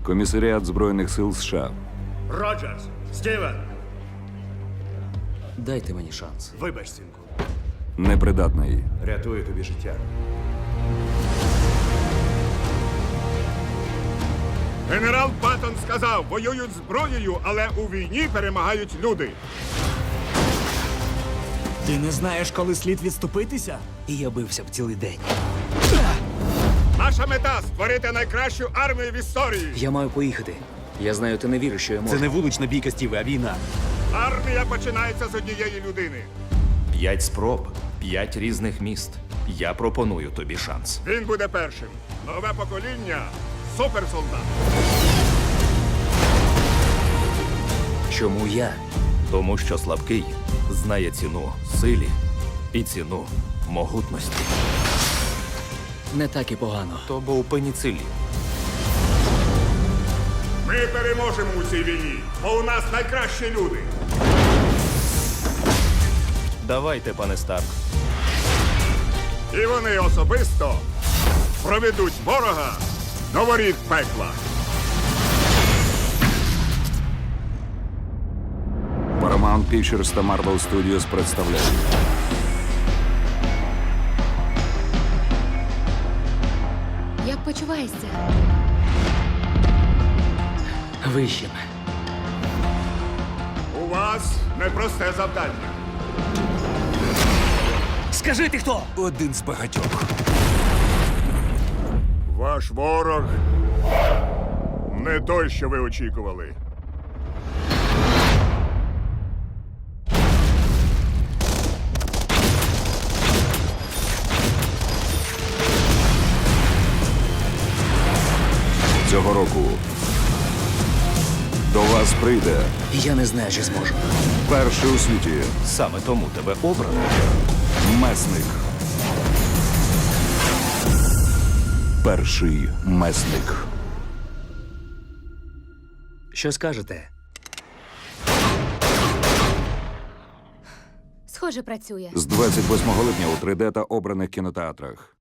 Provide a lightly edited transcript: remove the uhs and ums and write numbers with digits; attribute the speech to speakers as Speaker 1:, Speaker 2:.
Speaker 1: Комісаріат Збройних сил США.
Speaker 2: Роджерс! Стівен!
Speaker 3: Дайте мені шанс.
Speaker 2: Вибач, синку.
Speaker 1: Непридатний.
Speaker 2: Рятую тобі життя.
Speaker 4: Генерал Паттон сказав, воюють зброєю, але у війні перемагають люди.
Speaker 5: Ти не знаєш, коли слід відступитися?
Speaker 3: І я бився б цілий день.
Speaker 4: Наша мета – створити найкращу армію в історії.
Speaker 3: Я маю поїхати. Я знаю, ти не віриш, що я можу.
Speaker 5: Це не вулична бійка, Стіве, а війна.
Speaker 4: Армія починається з однієї людини.
Speaker 6: 5 спроб, 5 різних міст. Я пропоную тобі шанс.
Speaker 4: Він буде першим. Нове покоління – суперсолдат.
Speaker 3: Чому я?
Speaker 6: Тому що слабкий знає ціну силі і ціну могутності.
Speaker 3: Не так і погано.
Speaker 6: То був пеніцилін.
Speaker 4: Ми переможемо у цій війні, бо у нас найкращі люди.
Speaker 6: Давайте, пане Старк.
Speaker 4: І вони особисто проведуть ворога до воріт пекла.
Speaker 1: Paramount Pictures та Marvel Studios представляють.
Speaker 7: Як почуваєшся?
Speaker 3: Вищим.
Speaker 4: У вас непросте завдання.
Speaker 3: Скажи ти хто?
Speaker 5: Один з багатьох.
Speaker 4: Ваш ворог не той, що ви очікували.
Speaker 1: Цього року до вас прийде
Speaker 3: Я не знаю, чи зможу.
Speaker 1: перший у світі
Speaker 6: Саме тому тебе обрано.
Speaker 1: месник. Перший месник.
Speaker 3: Що скажете?
Speaker 7: Схоже, працює.
Speaker 1: З 28 липня у 3D та обраних кінотеатрах.